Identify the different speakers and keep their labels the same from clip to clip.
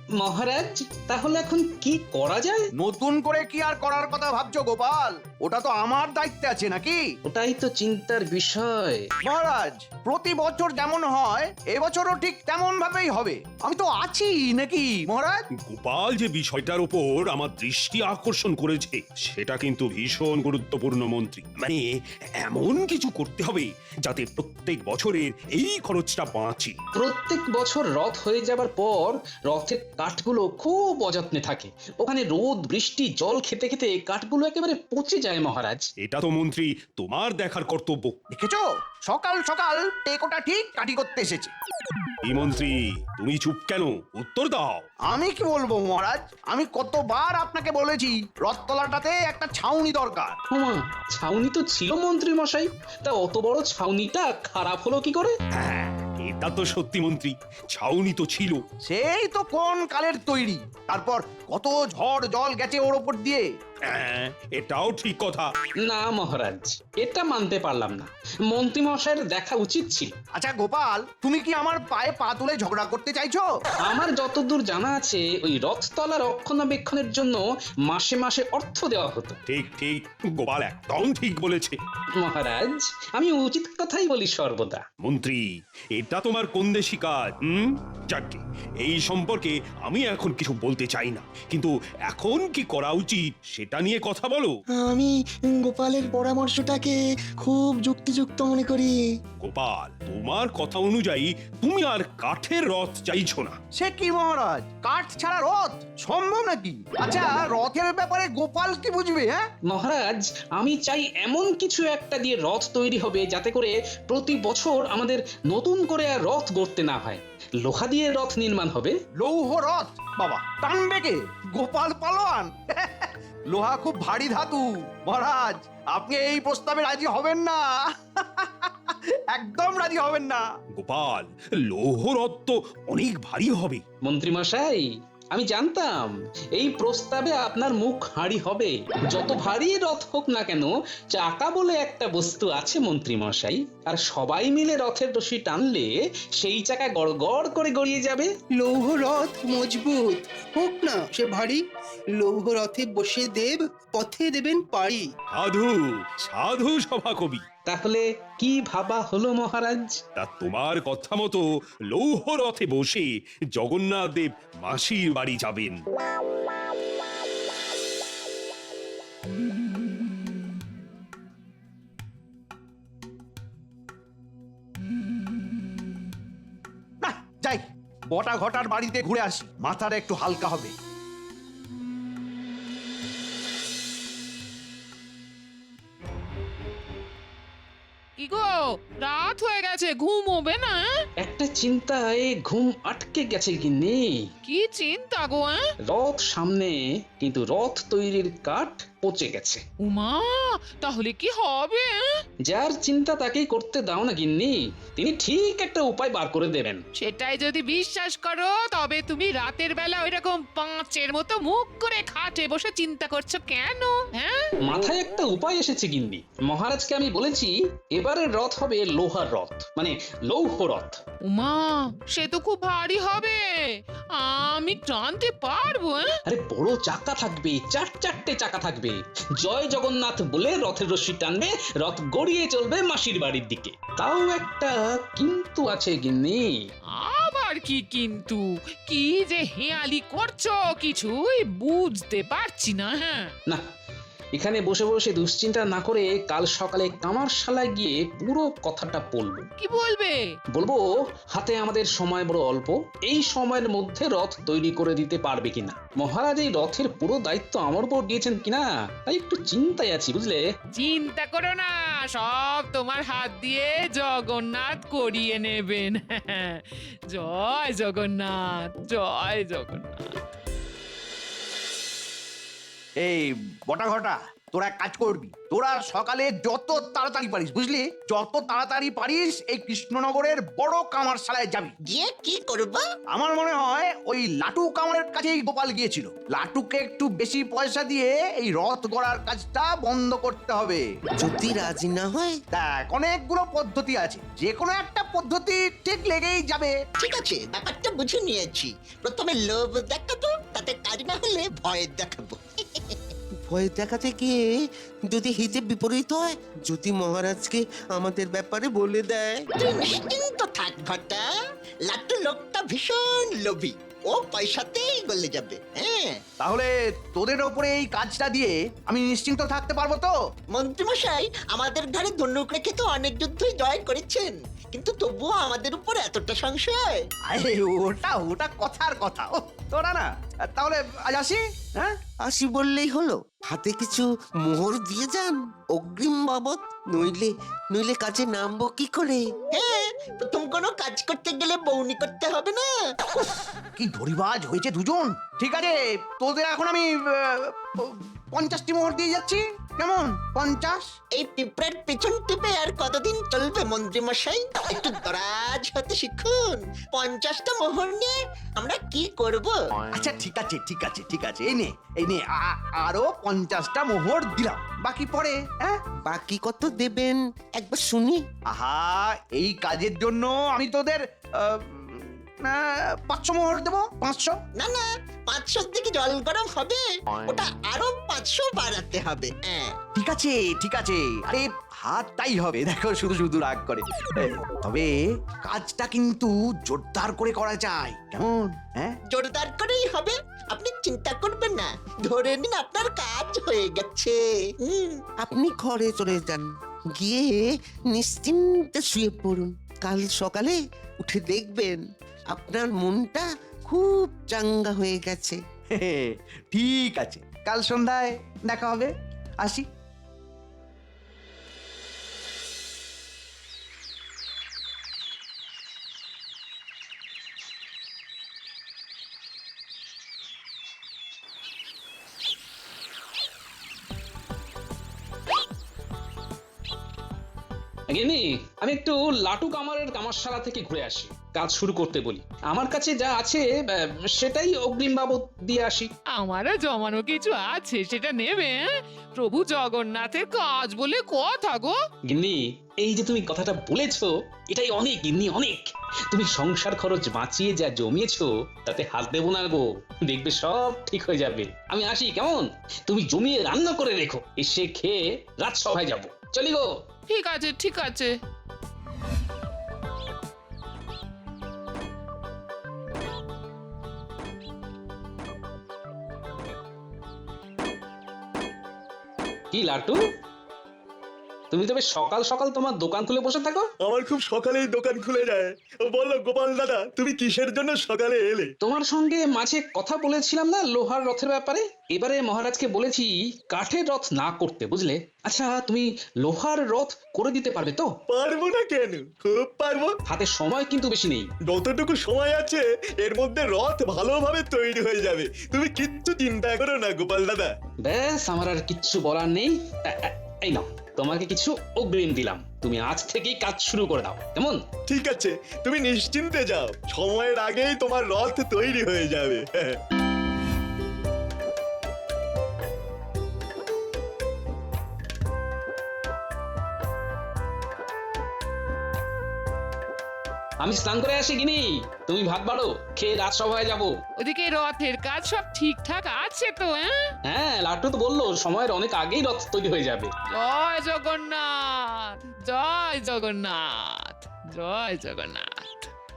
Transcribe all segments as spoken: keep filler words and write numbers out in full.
Speaker 1: মহারাজ, তাহলে এখন কি করা যায়?
Speaker 2: নতুন করে কি আর করার কথা ভাবছো গোপাল? ওটা তো আমার দায়িত্বে আছে নাকি?
Speaker 1: ওটাই তো চিন্তার বিষয়।
Speaker 2: মহারাজ, প্রতি বছর যেমন হয় এবছরও ঠিক তেমন ভাবেই হবে। আমি তো আছি নাকি মহারাজ?
Speaker 3: গোপাল যে বিষয়টার উপর আমার দৃষ্টি আকর্ষণ করেছে সেটা কিন্তু ভীষণ গুরুত্বপূর্ণ মন্ত্রী। মানে এমন কিছু করতে হবে যাতে প্রত্যেক বছরের এই খরচটা বাঁচে।
Speaker 1: প্রত্যেক বছর রথ হয়ে যাবার পর রথের কাঠগুলো খুব অযত্নে থাকে। ওখানে রোদ বৃষ্টি জল খেতে খেতে কাঠগুলো একেবারে পচে যায় মহারাজ।
Speaker 3: এটা তো মন্ত্রী তোমার দেখার কর্তব্য।
Speaker 2: দেখেছো, সকাল সকাল টেকোটা ঠিক কাটি করতে এসেছে।
Speaker 3: এই মন্ত্রী, তুমি চুপ কেন? উত্তর দাও।
Speaker 2: আমি কি বলবো মহারাজ, আমি কতবার আপনাকে বলেছি রথতলাটাতে একটা ছাউনি দরকার।
Speaker 1: ওমা, ছাউনি তো ছিল মন্ত্রী মশাই, তা অত বড় ছাউনিটা খারাপ হলো কি করে?
Speaker 3: হ্যাঁ, এটা তো সত্যি মন্ত্রী, ছাউনি তো ছিল।
Speaker 2: সেই তো কোন কালের তৈরি, তারপর কত ঝড় জল গেছে ওর ওপর দিয়ে।
Speaker 3: হ্যাঁ, এটাও ঠিক কথা।
Speaker 1: না মহারাজ, এটা মানতে পারলাম না। মন্ত্রী মশাইয়ের দেখা উচিত ছিল।
Speaker 2: আচ্ছা গোপাল, তুমি কি আমার পায়ে পা তুলে ঝগড়া করতে চাইছো?
Speaker 1: আমার যতদূর জানা আছে ওই রথতলা রক্ষণাবেক্ষণের জন্য মাসে মাসে অর্থ দেওয়া হতো।
Speaker 3: ঠিক ঠিক, গোপাল একদম ঠিক বলেছে।
Speaker 1: মহারাজ, আমি উচিত কথাই বলি সর্বদা।
Speaker 3: মন্ত্রী, এটা তোমার কোন দেশি কাজ? হুম, যাকে এই সম্পর্কে আমি এখন কিছু বলতে চাই না, কিন্তু এখন কি করা উচিত সেটা নিয়ে কথা বলো।
Speaker 4: আমি গোপালের পরামর্শটাকে খুব যুক্তিযুক্ত মনে করি।
Speaker 3: গোপাল, তোমার কথা অনুযায়ী তুমি আর কাঠের রথ চাইছো না।
Speaker 2: সে কি মহারাজ, কাঠ ছাড়া রথ সম্ভব নাকি? আচ্ছা, রথের ব্যাপারে গোপাল কি বুঝবে? হ্যাঁ
Speaker 1: মহারাজ, আমি চাই এমন কিছু একটা দিয়ে রথ তৈরি হবে যাতে করে প্রতি বছর আমাদের নতুন করে আর রথ গড়তে না হয়। লোহা দিয়ে রথ নির্মাণ হবে।
Speaker 2: লৌহ রথ? বাবা, টানবে কে? গোপাল পালোয়ান? লোহা খুব ভারী ধাতু মহারাজ, আপনি এই প্রস্তাবে রাজি হবেন না। একদম রাজি হবেন না।
Speaker 3: গোপাল, লৌহ রথ তো অনেক ভারী হবে।
Speaker 1: মন্ত্রী মশাই, আমি জানতাম এই প্রস্তাবে আপনার মুখ হাঁড়ি হবে। যত ভারী রথ হোক না কেন, চাকা বলে একটা বস্তু আছে মন্ত্রী মশাই, আর সবাই মিলে রথের রশি টানলে সেই চাকা গড় গড় করে গড়িয়ে যাবে।
Speaker 5: লৌহ রথ মজবুত হোক না সে ভারী, লৌহ রথে বসে দেব পথে দেবেন পাড়ি।
Speaker 3: সাধু সাধু সভাকবি।
Speaker 1: তাহলে কি ভাবা হলো মহারাজ?
Speaker 3: তা তোমার কথা মতো লৌহ রথে বসে জগন্নাথ দেব মাসির বাড়ি যাবেন।
Speaker 2: না, যাই বটা ঘটার বাড়িতে ঘুরে আসি, মাথাটা একটু হালকা হবে।
Speaker 6: কি গো, রাত হয়ে গেছে, ঘুমোবে না?
Speaker 1: একটা চিন্তায় ঘুম আটকে গেছে গিন্নি।
Speaker 6: কি চিন্তা গো? হ্যাঁ?
Speaker 1: রথ সামনে, কিন্তু রথ তৈরির কাঠ পচে গেছে।
Speaker 6: উমা, তাহলে কি হবে? হ্যাঁ?
Speaker 1: যার চিন্তা তাকেই করতে দাও না গিন্নি, তিনি ঠিক একটা উপায় বার করে দেবেন।
Speaker 6: সেটাই যদি বিশ্বাস করো, তবে তুমি রাতের বেলা ওইরকম পাঁচের মতো মুখ করে খাটে বসে চিন্তা করছো কেন? হ্যাঁ,
Speaker 1: মাথায় একটা উপায় এসেছে গিন্নি। মহারাজকে আমি বলেছি এবারের রথ হবে লোহার রথ, মানে লৌহ রথ।
Speaker 6: উমা, সে তো খুব ভারী হবে, আমি টানতে পারবো? হ্যাঁ?
Speaker 1: আরে বড় চাকা থাকবে, চার চারটে চাকা থাকবে। জয় জগন্নাথ বলে রথের রশি টানবে, রথ গড়িয়ে চলবে মাসির বাড়ির দিকে। তাও একটা কিন্তু আছে গিন্নি।
Speaker 6: আবার কি কিন্তু? কি যে হেয়ালি করছো কিছুই বুঝতে পারছি না। হ্যাঁ,
Speaker 1: না, এখানে বসে বসে দুশ্চিন্তা না করে কাল সকালে কামারশালায় গিয়ে পুরো কথাটা বলবো।
Speaker 6: কি বলবে?
Speaker 1: বলবো হাতে আমাদের সময় বড় অল্প, এই সময়ের মধ্যে রথ তৈরি করে দিতে পারবে কিনা। মহারাজ এই রথের পুরো দায়িত্ব আমার উপর দিয়েছেন কিনা, তাই একটু চিন্তায় আছি বুঝলে।
Speaker 6: চিন্তা করো না, সব তোমার হাত দিয়ে জগন্নাথ করিয়ে নেবেন। জয় জগন্নাথ, জয় জগন্নাথ।
Speaker 2: এই বটা ঘটা, তোরা এক কাজ করবি, তোরা সকালে যত তাড়াতাড়ি পারিস, বুঝলি, যত তাড়াতাড়ি পারিস এই কৃষ্ণনগরের বড় কামারশালায় যাবি।
Speaker 7: গিয়ে কি করবা?
Speaker 2: আমার মনে হয় ওই লাটু কামারের কাছেই গোপাল গিয়েছিল। লাটুকে একটু বেশি পয়সা দিয়ে এই রথ গড়ার কাজটা বন্ধ করতে হবে।
Speaker 7: যদি রাজি না হয়?
Speaker 2: দেখ, অনেকগুলো পদ্ধতি আছে, যে কোনো একটা পদ্ধতি ঠিক লেগেই যাবে।
Speaker 7: ঠিক আছে, ব্যাপারটা বুঝে নিয়েছি। প্রথমে লোভ দেখাবো, তাতে কাজ না হলে ভয় দেখাবো। ভয় দেখাতে গিয়ে যদি হিতে বিপরীত হয়, যদি মহারাজকে আমাদের ব্যাপারে বলে দেয়। তুই নিশ্চিন্ত থাক ঘটা, লাট্টু লোকটা ভীষণ লোভী, ও পয়সাতেই গলে যাবে। হ্যাঁ,
Speaker 2: তাহলে তোদের ওপরে এই কাজটা দিয়ে আমি নিশ্চিন্ত থাকতে পারবো তো?
Speaker 7: মন্ত্রীমশাই আমাদের ঘরে ধনুক রেখে তো অনেক যুদ্ধই জয় করেছেন, কিন্তু তবুও আমাদের উপর এতটা সংশয়।
Speaker 2: আরে ওটা ওটা কথার কথা। ও তোরা না, তাহলে আজ আসি। হ্যাঁ,
Speaker 7: আসি বললেই হলো? হাতে কিছু মোহর দিয়ে যান অগ্রিম বাবদ, নইলে নইলে কাজে নামবো কি করে? হ্যাঁ, প্রথম কোনো কাজ করতে গেলে বউনি করতে হবে না।
Speaker 2: কি ধরিবাজ হয়েছে দুজন। ঠিক আছে, তোদের এখন আমি আহ, পঞ্চাশটি মোহর দিয়ে যাচ্ছি। কেমন? পঞ্চাশ?
Speaker 7: এই পিঁপড়ার পেছন টিপে আর কতদিন চলবে মন্ত্রী মশাই? একটু দরাজ হতে শিখুন। পঞ্চাশটা মোহর নিয়ে আমরা কি করব?
Speaker 2: আচ্ছা ঠিক আছে ঠিক আছে ঠিক আছে, এই নে এই নে আ- আরো পঞ্চাশটা মোহর দিলাম, বাকি পরে। হ্যাঁ,
Speaker 7: বাকি কত দেবেন একবার শুনি।
Speaker 2: আহা, এই কাজের জন্য আমি তোদের আহ, না, পাঁচশো মোহর দেবো। পাঁচশো?
Speaker 7: না না, পাঁচশোর দিকে জল গরম হবে, ওটা আরো পাঁচশো বাড়াতে হবে। হ্যাঁ,
Speaker 2: ঠিক আছে ঠিক আছে, আরে হাতটাই হবে, দেখো শুধু শুধু রাগ করে। তবে কাজটা কিন্তু জোরদার করে করা যায়, কেমন? হ্যাঁ,
Speaker 7: জোরদার করেই হবে, আপনি চিন্তা করবেন না। ধরে নিন আপনার কাজ হয়ে গেছে। আপনি ঘরে চলে যান, গিয়ে নিশ্চিন্তে শুয়ে পড়ুন। কাল সকালে উঠে দেখবেন আপনার মনটা খুব চাঙ্গা হয়ে গেছে।
Speaker 2: ঠিক আছে, কাল সন্ধ্যায় দেখা হবে। আসি।
Speaker 1: গিন্নি, আমি একটু লাটু কামারের কামারশালা থেকে ঘুরে আসি, কাজ শুরু করতে বলি। আমার কাছে যা আছে আহ, সেটাই অগ্রিম বাবদ দিয়ে আসি।
Speaker 6: আমারও জমানো কিছু আছে, সেটা নেবে? হ্যাঁ? প্রভু জগন্নাথের কাজ বলে কথা গো।
Speaker 1: গিন্নি, এই যে তুমি কথাটা বলেছো, এটাই অনেক গিন্নি, অনেক। তুমি সংসার খরচ বাঁচিয়ে যা জমিয়েছো তাতে হাত দেবো না গো, দেখবে সব ঠিক হয়ে যাবে। আমি আসি, কেমন? তুমি জমিয়ে রান্না করে রেখো, এসে খেয়ে রাজসভায় যাবো। চলি গো।
Speaker 6: ঠিক আছে ঠিক আছে।
Speaker 1: কি লাটু, তুমি তবে সকাল সকাল তোমার দোকান খুলে বসে থাকো?
Speaker 8: আমার খুব সকালেই দোকান খুলে যায়। বলো গোপাল দাদা, তুমি কিসের জন্য সকালে এলে?
Speaker 1: তোমার সঙ্গে মাঝে কথা বলেছিলাম না লোহার রথের ব্যাপারে? এবারে মহারাজকে বলেছি কাঠের রথ না করতে, বুঝলে? আচ্ছা, তুমি লোহার রথ করে দিতে পারবে তো?
Speaker 8: পারবো না কেন, খুব পারবো।
Speaker 1: হাতে সময় কিন্তু বেশি নেই।
Speaker 8: যতটুকু সময় আছে এর মধ্যে রথ ভালোভাবে তৈরি হয়ে যাবে, তুমি কিচ্ছু চিন্তা করো না গোপাল দাদা।
Speaker 1: ব্যাস, আমার আর কিচ্ছু বলার নেই। এ- এ- এই নাও, তোমাকে কিছু অগ্রিম দিলাম, তুমি আজ থেকেই কাজ শুরু করে দাও, কেমন?
Speaker 8: ঠিক আছে, তুমি নিশ্চিন্তে যাও, সময়ের আগেই তোমার রথ তৈরি হয়ে যাবে।
Speaker 1: আমি স্নান করে আসি গিনি, তুমি ভাত বাড়ো, খেয়ে রাজসভায় যাবো।
Speaker 6: ওদিকে রথের কাজ সব ঠিকঠাক আছে তো? হ্যাঁ,
Speaker 1: হ্যাঁ, লাট্টু তো বললো সময়ের অনেক আগেই রথ তৈরি হয়ে যাবে।
Speaker 6: জয় জগন্নাথ, জয় জগন্নাথ, জয় জগন্নাথ।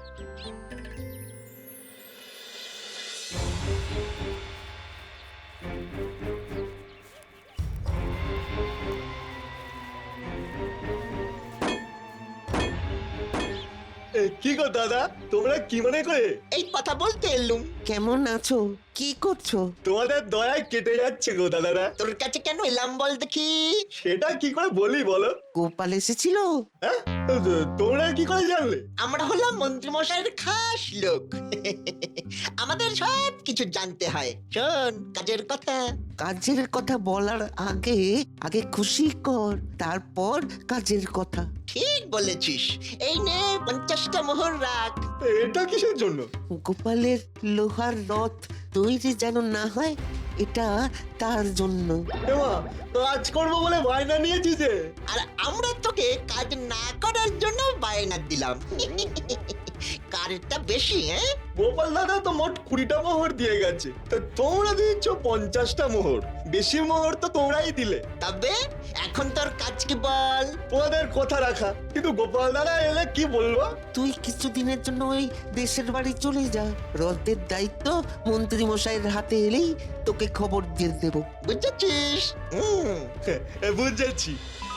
Speaker 8: এ, কি গো দাদা, তোমরা কি মনে করে?
Speaker 7: এই কথা বলতে এলুম। কেমন আছো? কি করছো?
Speaker 8: তোমাদের দয়ায় কেটে যাচ্ছে গো দাদারা।
Speaker 7: তোর কাছে কেন এলাম বল দেখি?
Speaker 8: সেটা কি করে বলি বলো?
Speaker 7: গোপাল এসেছিল?
Speaker 8: হ্যাঁ, তোমরা কি করে জানলে?
Speaker 7: আমরা হলাম মন্ত্রীমশাইয়ের খাস লোক আমাদের সব কিছু জানতে হয়। শোন কাজের কথা, কাজের কথা বলার আগে আগে খুশি কর, তারপর কাজের কথা। ঠিক বলেছিস। এই নে পঞ্চাশটা মোহর রাখ।
Speaker 8: এটা কিসের জন্য?
Speaker 7: গোপালের লোহার রথ তৈরি যেন না হয়, এটা তার জন্য।
Speaker 8: এমা, কাজ করবো বলে বায়না নিয়েছি যে।
Speaker 7: আর আমরা তোকে কাজ না করার জন্য বায়না দিলাম কারটা বেশি, হ্যাঁ?
Speaker 8: গোপাল দাদা তো মোট কুড়িটা মোহর দিয়ে গেছে, তা তোমরা দিচ্ছ পঞ্চাশটা মোহর। বেশি মোহর তো তোমরাই দিলে।
Speaker 7: তবে এখন তোর কাজ কি বল?
Speaker 8: তোমাদের কথা রাখা, কিন্তু গোপাল দাদা এলে কি বলবো?
Speaker 7: তুই কিছুদিনের জন্য ওই দেশের বাড়ি চলে যা। রথের দায়িত্ব মন্ত্রী মশাইয়ের হাতে এলেই তোকে খবর দিয়ে দেব, বুঝেছিস? হুম।
Speaker 8: বুঝেছি।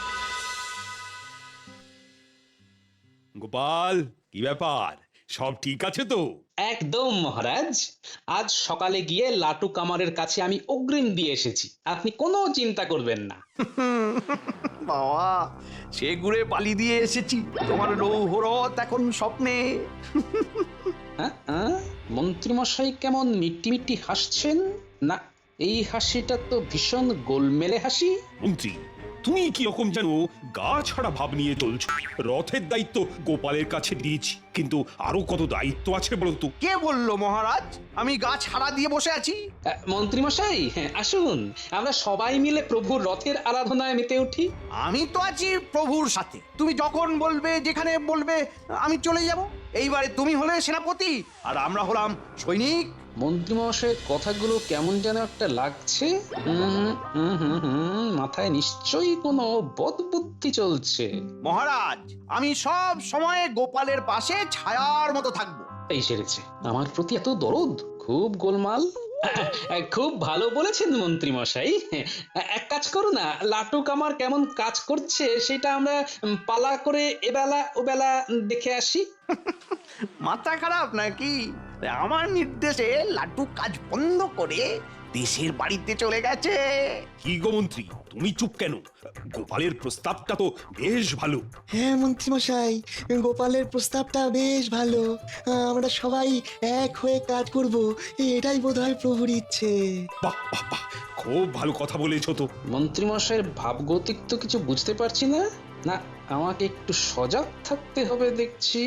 Speaker 3: গোপাল, কি ব্যাপার, সব ঠিক আছে তো?
Speaker 1: একদম মহারাজ, আজ সকালে গিয়ে লাটু কামারের কাছে আমি অগ্রিম দিয়ে এসেছি, আপনি কোনো চিন্তা করবেন না।
Speaker 2: বাবা, সে ঘুরে পালি দিয়ে এসেছি, তোমার লৌহরথ এখন স্বপ্নে।
Speaker 1: হ্যাঁ হ্যাঁ, মন্ত্রীমশাই কেমন মিট্টি মিট্টি হাসছেন? না, এই হাসিটা তো ভীষণ গোলমেলে হাসি।
Speaker 3: মন্ত্রী, তুমি কি রকম যেন গা ছাড়া ভাব নিয়ে চলছো। রথের দায়িত্ব গোপালের কাছে দিয়েছি, কিন্তু আরো কত দায়িত্ব আছে বলতো।
Speaker 2: কে বললো মহারাজ আমি গাছ হারা দিয়ে বসে আছি?
Speaker 1: আহ, মন্ত্রীমশাই, হ্যাঁ আসুন, আমরা সবাই মিলে প্রভুর রথের আরাধনায় মেতে উঠি।
Speaker 2: আমি তো আছি প্রভুর সাথে, তুমি যখন বলবে যেখানে বলবে আমি চলে যাব। এইবারে তুমি হলে সেনাপতি আর আমরা হলাম সৈনিক।
Speaker 1: মন্ত্রীমশাইয়ের কথাগুলো কেমন যেন একটা লাগছে। হুম হুম হুম হুম, মাথায় নিশ্চয়ই কোনো বদবুদ্ধি চলছে।
Speaker 2: মহারাজ, আমি সব সময় গোপালের পাশে ছায়ার মতো থাকবো।
Speaker 1: এই সেরেছে, আমার প্রতি এত দরদ, খুব গোলমাল। খুব ভালো বলেছেন মন্ত্রী মশাই। এক কাজ করো না, লাটু কামার কেমন কাজ করছে সেটা আমরা পালা করে এবেলা ওবেলা দেখে আসি।
Speaker 2: মাথা খারাপ নাকি? আমার নির্দেশে লাটু কাজ বন্ধ করে দেশের বাড়িতে চলে গেছে।
Speaker 3: কি গো মন্ত্রী, তুমি চুপ কেন? গোপালের প্রস্তাবটা তো বেশ ভালো।
Speaker 4: হ্যাঁ মন্ত্রীমশাই, গোপালের প্রস্তাবটা বেশ ভালো। আমরা সবাই এক হয়ে কাজ করব, এটাই বোধহয় প্রভুর ইচ্ছে।
Speaker 3: বাহ বাহ বাহ, খুব ভালো কথা বলেছো তো।
Speaker 1: মন্ত্রীমশাইয়ের ভাবগতিক তো কিছু বুঝতে পারছি না। না, আমাকে একটু সজাগ থাকতে হবে দেখছি।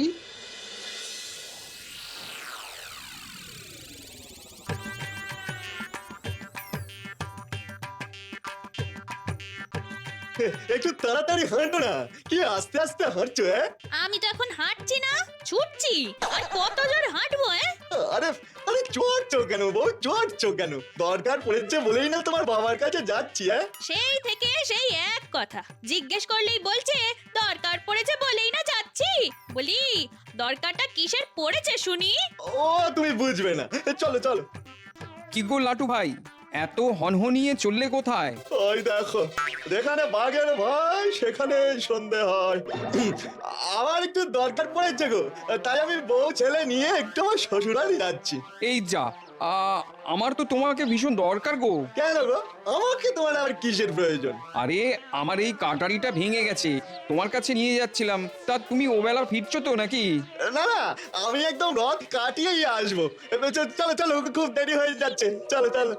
Speaker 8: একটু তাড়াতাড়ি হাঁটো না, কি আস্তে আস্তে হাঁটছো? হ্যাঁ,
Speaker 9: আমি তো এখন হাঁটছি না, ছুটছি। আর কত জোর হাঁটবো? হ্যাঁ,
Speaker 8: আরে আরে চড়ছো কেন বউ, চড়ছো কেন? দরকার পড়েছে বলেই না তোমার বাবার কাছে যাচ্ছি। হ্যাঁ,
Speaker 9: সেই থেকে সেই এক কথা, জিজ্ঞেস করলেই বলছে দরকার পড়েছে বলেই না যাচ্ছি। বলি দরকারটা কিসের পড়েছে শুনি?
Speaker 8: ও তুমি বুঝবে না, চলো চলো।
Speaker 10: কি গো লাটু ভাই, এত হনহনিয়ে চললে কোথায়?
Speaker 8: ওই দেখো, যেখানে বাঘের ভয় সেখানে সন্ধে হয়। আমার একটু দরকার পড়েছে গো, তাই আমি বউ ছেলে নিয়ে একটু আমার শ্বশুরালি যাচ্ছি।
Speaker 10: এই যা, আ, আমার তো তোমাকে ভীষণ দরকার গো।
Speaker 8: কেন গো, আমাকে তোমার আর কিসের প্রয়োজন?
Speaker 10: আরে আমার এই কাটারিটা ভেঙে গেছে, তোমার কাছে নিয়ে যাচ্ছিলাম, তা তুমি ওবেলা ফিরছো তো নাকি?
Speaker 8: না না, আমি একদম রথ কাটিয়েই আসবো। চলো চলো, খুব দেরি হয়ে যাচ্ছে, চলো চলো।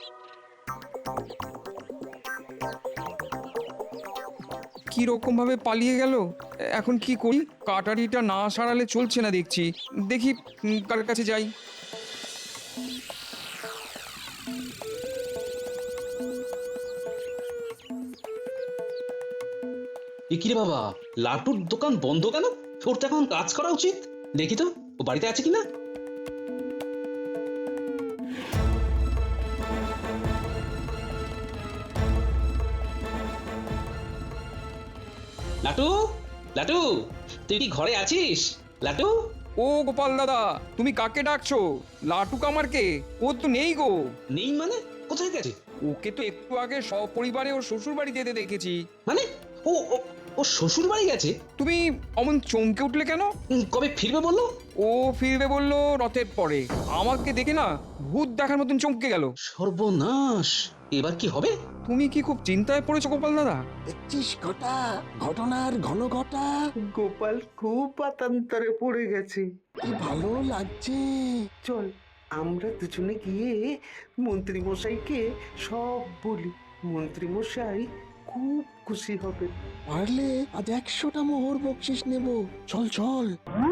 Speaker 10: কি রকম ভাবে পালিয়ে গেল, এখন কি করি? কাটারিটা না সারালে চলছে না দেখছি, দেখি উম, কার কাছে যাই।
Speaker 1: এ কি রে বাবা, লাটুর দোকান বন্ধ কেন? ওর তো এখন কাজ করা উচিত। দেখি তো ও বাড়িতে আছে কিনা। লাটু, লাটু, তুই কি ঘরে আছিস? লাটু,
Speaker 10: ও গোপাল দাদা, তুমি কাকে ডাকছো? লাটু কামারকে? ও তো নেই গো।
Speaker 1: নেই মানে? কোথায় গেছে?
Speaker 10: ওকে তো একটু আগে সপরিবারে ওর শ্বশুর বাড়ি যেতে দেখেছি।
Speaker 1: মানে ও ও- ও শ্বশুর বাড়ি গেছে?
Speaker 10: তুমি অমন চমকে উঠলে কেন?
Speaker 1: উম, কবে ফিরবে বললো?
Speaker 10: ও ফিরবে বললো রথের পরে। আমাকে দেখে না ভূত দেখার মতন চমকে গেল।
Speaker 1: সর্বনাশ, এ এবার কি হবে?
Speaker 10: তুমি কি খুব চিন্তায় পড়েছো গোপাল দাদা?
Speaker 4: দেখছিস ঘটা ঘটনার ঘন ঘটা
Speaker 5: গোপাল খুব পাতান্তরে পড়ে গেছে।
Speaker 4: কি ভালো লাগছে।
Speaker 5: চল আমরা দুজনে গিয়ে মন্ত্রী মশাইকে সব বলি। মন্ত্রী মশাই খুব খুশি হবে।
Speaker 4: পারলে আজ একশোটা মোহর বকশিস নেব। চল চল।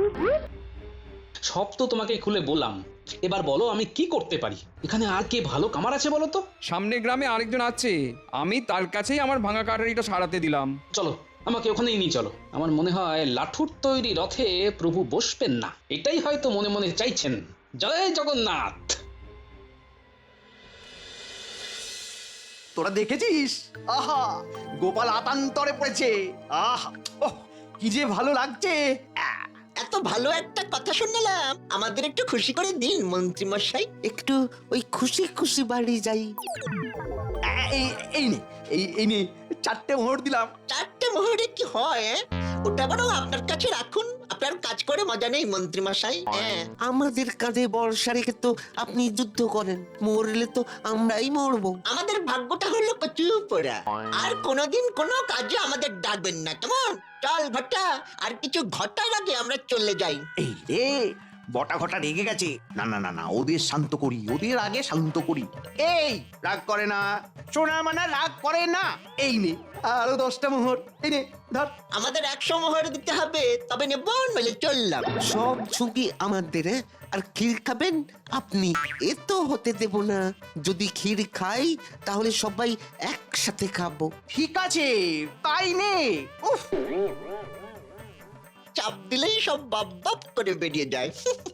Speaker 1: সব তো তোমাকে খুলে বললাম, এবার বলো আমি কি করতে পারি? এখানে আর কে ভালো কামার আছে বলো তো?
Speaker 10: সামনের গ্রামে আরেকজন আছে, আমি তার কাছেই আমার ভাঙা কাটারিটা সারাতে দিলাম।
Speaker 1: চলো আমাকে ওখানেই নিয়ে চলো। আমার মনে হয় লাঠুর তৈরি রথে প্রভু বসবেন না, এটাই হয়তো মনে মনে চাইছেন। জয় জগন্নাথ।
Speaker 2: তোরা দেখেছিস? আহা, গোপাল আতান্তরে পড়েছে। আহা, ওহ, কি যে ভালো লাগছে। আহ,
Speaker 7: এত ভালো একটা কথা শুনলাম, আমাদের একটু খুশি করে দিন মন্ত্রী মশাই। একটু ওই খুশি খুশি বাড়ি যাই।
Speaker 2: আহ, এই এই নে, এই এই নে, চারটে মোহর দিলাম।
Speaker 7: চারটে মোহরে কি হয়? ওটা বরং আপনার কাছে রাখুন, আপনার কাজ করে মজা নেই মন্ত্রী মশাই। আমাদের কাঁধে বর্ষা রেখে তো আপনি যুদ্ধ করেন, মরলে তো আমরাই মরবো। আমাদের ভাগ্যটা হলো কচু পোড়া, আর কোনোদিন কোনো কাজে আমাদের ডাকবেন না, কেমন? চল ঘটা, আর কিছু ঘটার আগে আমরা চলে যাই।
Speaker 2: এই রে, বটা ঘটা রেগে গেছে। না না না না, ওদের শান্ত করি, ওদের আগে শান্ত করি। এই রাগ করে না, সোনা মানা রাগ করে না। এই নে আরো দশটা মোহর, এই নে ধর।
Speaker 7: আমাদের একশো মোহর দিতে হবে, তবে নেব নইলে চললাম। সব ঝুঁকি আমাদের, আর ক্ষীর খাবেন আপনি, এ তো হতে দেব না। যদি ক্ষীর খাই তাহলে সবাই একসাথে খাবো।
Speaker 2: ঠিক আছে, তাই নে। উফ,
Speaker 7: চাপ দিলেই সব বাপ বাপ করে বেরিয়ে যায়।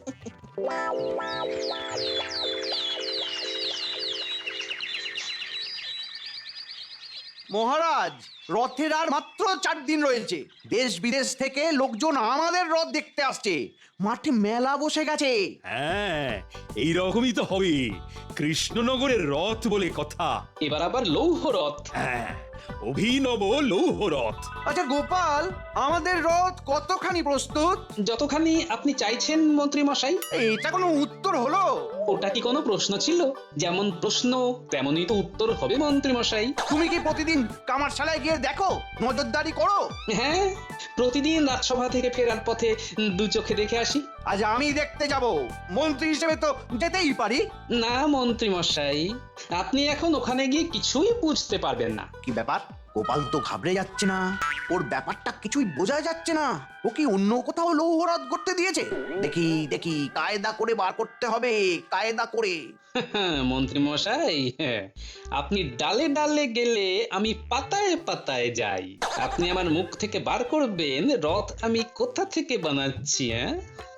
Speaker 2: মহারাজ, রথের আর মাত্র চার দিন রয়েছে। দেশ বিদেশ থেকে লোকজন আমাদের রথ দেখতে আসছে। মাঠে মেলা বসে গেছে।
Speaker 3: হ্যাঁ, এইরকমই তো হবে। কৃষ্ণনগরের রথ বলে কথা।
Speaker 1: এবার আবার লৌহ রথ।
Speaker 3: হ্যাঁ, অভিনব লৌহ রথ।
Speaker 2: আচ্ছা গোপাল, আমাদের রথ কতখানি প্রস্তুত?
Speaker 1: যতখানি আপনি চাইছেন মন্ত্রী মশাই।
Speaker 2: এটা কোনো উত্তর হলো?
Speaker 1: ওটা কি কোনো প্রশ্ন ছিল? যেমন প্রশ্ন তেমনই তো উত্তর হবে মন্ত্রী মশাই।
Speaker 2: তুমি কি প্রতিদিন কামারশালায় গিয়ে দেখো, নজরদারি করো?
Speaker 1: হ্যাঁ, প্রতিদিন রাজসভা থেকে ফেরার পথে দু চোখে দেখে আসি।
Speaker 2: আজ আমি দেখতে যাব, মন্ত্রী হিসেবে তো যেতেই পারি।
Speaker 1: না মন্ত্রী মশাই, আপনি এখন ওখানে গিয়ে কিছুই বুঝতে পারবেন না।
Speaker 2: কি ব্যাপার? গোপাল তো ঘাবড়ে যাচ্ছে না, ওর ব্যাপারটা কিছুই বোঝা যাচ্ছে না। ও কি অন্য কোথাও লৌহরাত করতে দিয়েছে? দেখি দেখি, কায়দা করে বার করতে হবে, কায়দা করে।
Speaker 1: মন্ত্রী মশাই, আপনি ডালে ডালে গেলে আমি পাতায় পাতায় যাই। আপনি আমার মুখ থেকে বার করবেন রথ আমি কোথা থেকে বানাচ্ছি। হ্যাঁ,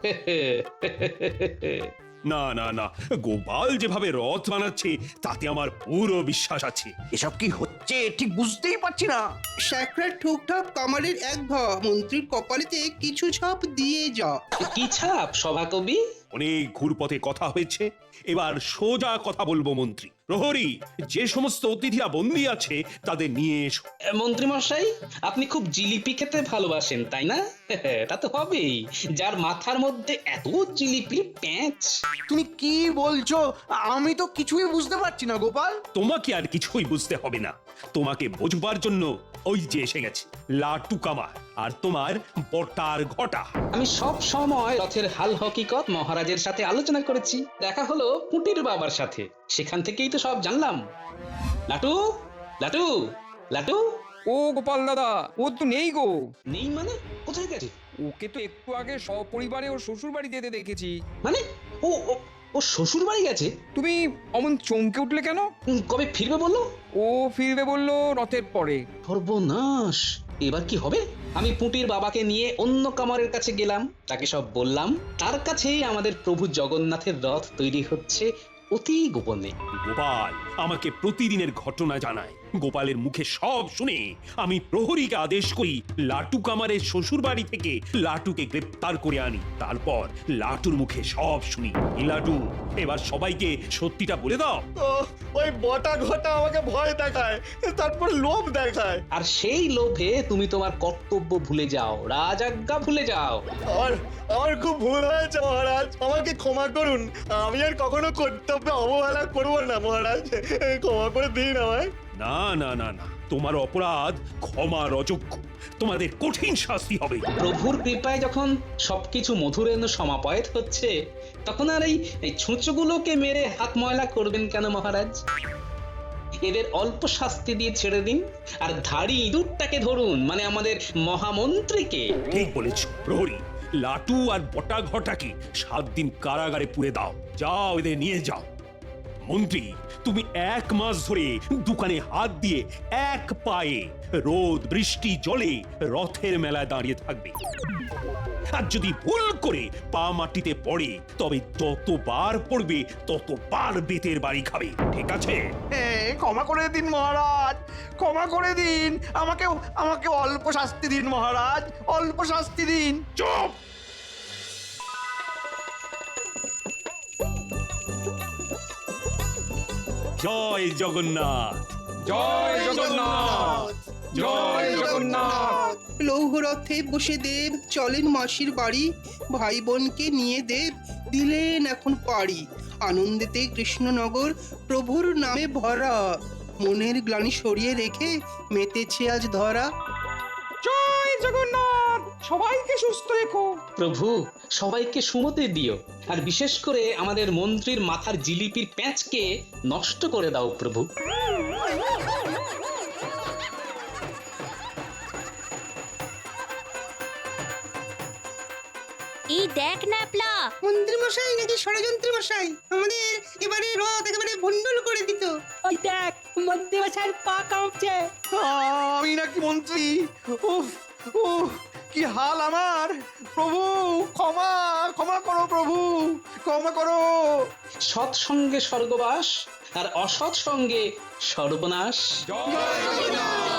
Speaker 3: না না না, গোপাল যেভাবে রথ বানাচ্ছে তাতে আমার পুরো বিশ্বাস আছে।
Speaker 2: এসব কি হচ্ছে ঠিক বুঝতেই পারছি না।
Speaker 5: স্যাকরার ঠুকঠাক কামারের এক ঘা মন্ত্রীর কপালেতে কিছু ছাপ দিয়ে যা।
Speaker 1: কি ছাপ সভাকবি?
Speaker 3: অনেক ঘুরপথে কথা হয়েছে, এবার সোজা কথা বলবো মন্ত্রী। প্রহরী, যে সমস্ত অতিথিরা বন্দী আছে তাদের নিয়ে এসো।
Speaker 1: মন্ত্রী মশাই, আপনি খুব জিলিপি খেতে ভালোবাসেন তাই না? তা তো হবেই, যার মাথার মধ্যে এত জিলিপি প্যাঁচ।
Speaker 2: তুমি কি বলছো? আমি তো কিছুই বুঝতে পারছি না গোপাল।
Speaker 3: তোমাকে আর কিছুই বুঝতে হবে না, তোমাকে বোঝবার জন্য ওই যে এসে গেছে লাটু কামার আর তোমার বটার ঘটা।
Speaker 1: আমি সব সময় রথের হাল হকিকত মহারাজের সাথে আলোচনা করেছি। দেখা হলো পুটির বাবার সাথে, সেখান থেকেই তো সব জানলাম। লাটু লাটু লাটু।
Speaker 10: ও গোপাল দাদা, ও তো নেই গো।
Speaker 1: নেই মানে? কোথায় গেছে?
Speaker 10: ওকে তো একটু আগে সপরিবারে ওর শ্বশুর বাড়ি যেতে দেখেছি।
Speaker 1: মানে ও ও- ও শ্বশুর বাড়ি গেছে?
Speaker 10: তুমি অমন চমকে উঠলে কেন?
Speaker 1: উম, কবে ফিরবে বললো?
Speaker 10: ও ফিরবে বললো রথের পরে।
Speaker 1: সর্বনাশ, এবার কি হবে? আমি পুটির বাবাকে নিয়ে অন্য কামারের কাছে গেলাম, তাকে সব বললাম। তার কাছেই আমাদের প্রভু জগন্নাথের রথ তৈরি হচ্ছে অতি গোপনে।
Speaker 3: গোপাল আমাকে প্রতিদিনের ঘটনা জানায়, গোপালের মুখে সব শুনে আমি প্রহরীকে আদেশ করি লাটু কামারের শ্বশুর বাড়ি থেকে লাটুকে গ্রেপ্তার করে আনি। তারপর লাটুর মুখে সব শুনি। এই লাটু, এবার সবাইকে সত্যিটা বলে দাও।
Speaker 8: ও, ওই বটা ঘটা আমাকে ভয় দেখায়, তারপর লোভ দেখায়।
Speaker 1: আর সেই লোভে তুমি তোমার কর্তব্য ভুলে যাও, রাজাজ্ঞা ভুলে যাও।
Speaker 8: আমার আমার খুব ভুল হয়েছে মহারাজ, আমাকে ক্ষমা করুন। আমি আর কখনো কর্তব্যে অবহেলা করবো না মহারাজ, ক্ষমা করে দিন আমায়।
Speaker 3: না না না না, তোমার অপরাধ ক্ষমার অযোগ্য, তোমাদের কঠিন শাস্তি হবে।
Speaker 1: প্রভুর কৃপায় যখন সবকিছু মধুরেন্দ্র সমাপয়েত হচ্ছে, তখন আর এই এই ছুঁচোগুলোকে মেরে হাত ময়লা করবেন কেন মহারাজ? এদের অল্প শাস্তি দিয়ে ছেড়ে দিন, আর ধাড়ি ইঁদুরটাকে ধরুন, মানে আমাদের মহামন্ত্রীকে।
Speaker 3: ঠিক বলেছ প্রহরী, লাটু আর বটা ঘটাকে সাত দিন কারাগারে পুরে দাও। যাও, এদের নিয়ে যাও। মন্ত্রী, তুমি এক মাস ধরে দোকানে হাত দিয়ে এক পায়ে রোদ বৃষ্টি জলে রথের মেলায় দাঁড়িয়ে থাকবে। আর যদি ভুল করে পা মাটিতে পড়ে, তবে যতবার পড়বে ততবার বেতের বাড়ি খাবে। ঠিক আছে?
Speaker 2: ক্ষমা করে দিন মহারাজ, ক্ষমা করে দিন। আমাকে আমাকে অল্প শাস্তি দিন মহারাজ, অল্প শাস্তি দিন।
Speaker 3: চুপ! জয় জগন্নাথ।
Speaker 10: জয় জগন্নাথ, জয় জগন্নাথ।
Speaker 11: লৌহরথে বসে দেব চলেন মাসির বাড়ি, ভাই বোনকে নিয়ে দেব দিলেন এখন পাড়ি। আনন্দেতে কৃষ্ণনগর প্রভুর নামে ভরা, মনের গ্লানি সরিয়ে রেখে মেতেছে আজ ধরা।
Speaker 10: জয় জগন্নাথ, সবাইকে সুস্থ রেখো।
Speaker 1: প্রভু, সবাইকে সুমতি দিও, আর বিশেষ করে আমাদের মন্ত্রীর মাথার জিলিপির প্যাঁচকে নষ্ট করে দাও প্রভু।
Speaker 9: এই দেখ ন্যাপলা,
Speaker 11: মন্ত্রী মশাই নাকি ষড়যন্ত্রী মশাই আমাদের এবারে রথ একেবারে ভণ্ডুল করে দিত।
Speaker 6: ওই দেখ, মন্ত্রী মশাইয়ের পা কাঁপছে।
Speaker 2: আমি নাকি মন্ত্রী? উফ উফ, কি হাল আমার! প্রভু ক্ষমা, ক্ষমা করো প্রভু, ক্ষমা করো।
Speaker 1: সৎ সঙ্গে স্বর্গবাস, আর অসৎ সঙ্গে সর্বনাশ।
Speaker 10: জয় জগন্নাথ।